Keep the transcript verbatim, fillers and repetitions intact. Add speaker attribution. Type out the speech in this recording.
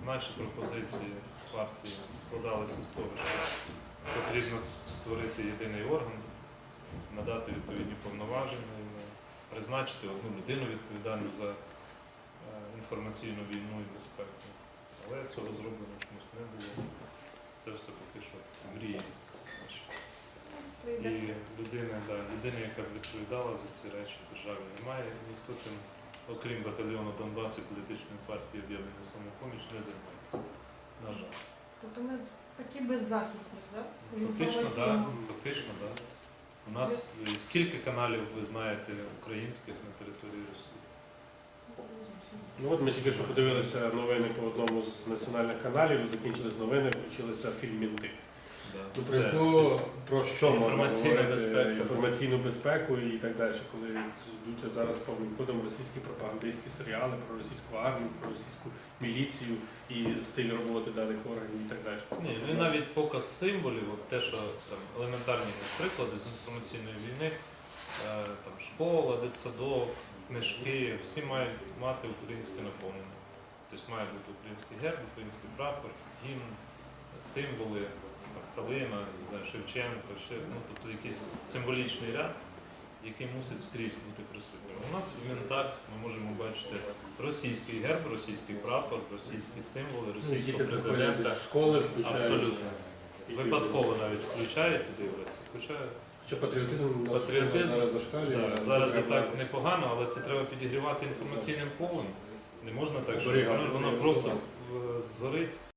Speaker 1: Наші пропозиції партії складалися з того, що потрібно створити єдиний орган, надати відповідні повноваження, призначити одну людину відповідальну за інформаційну війну і безпеку. Але цього зроблено чомусь не було. Це все поки що такі мрії. І людини, да, людини, яка б відповідала за ці речі в державі, немає. Ніхто цим, окрім батальйону Донбас і політичної партії «Об'єднання Самопоміч», не займається. На жаль. Тобто
Speaker 2: ми такі беззахисні, так?
Speaker 1: Фактично, так. Да, фактично, да. У нас скільки каналів, ви знаєте, українських на території Росії?
Speaker 3: Ну от ми тільки що подивилися новини по одному з національних каналів, закінчились новини, включилися фільм «Мінти».
Speaker 1: Да.
Speaker 3: Про, яку, про що можна
Speaker 1: інформаційна
Speaker 3: говорити?
Speaker 1: безпека.
Speaker 3: Інформаційну безпеку і так далі, коли йдуть зараз повним ходом російські пропагандистські серіали про російську армію, про російську міліцію і стиль роботи даних органів і так далі.
Speaker 1: Ні, ну і навіть показ символів, от те, що там елементарні приклади з інформаційної війни, там школа, дитсадок, книжки, всі мають мати українське наповнення. Тобто має бути український герб, український прапор, гімн, символи, калина, Шевченко, ще, ну, тобто якийсь символічний ряд, який мусить скрізь бути присутнім. У нас в ментах ми можемо бачити російський герб, російський прапор, російські символи, російського президента.
Speaker 3: Школи включають.
Speaker 1: Абсолютно. Випадково навіть включають і дивляться. Хоча
Speaker 3: Що патріотизм,
Speaker 1: патріотизм
Speaker 3: зараз зашкалює.
Speaker 1: да, зараз і так непогано, але це треба підігрівати інформаційним полем. Не можна так, що воно, воно просто згорить.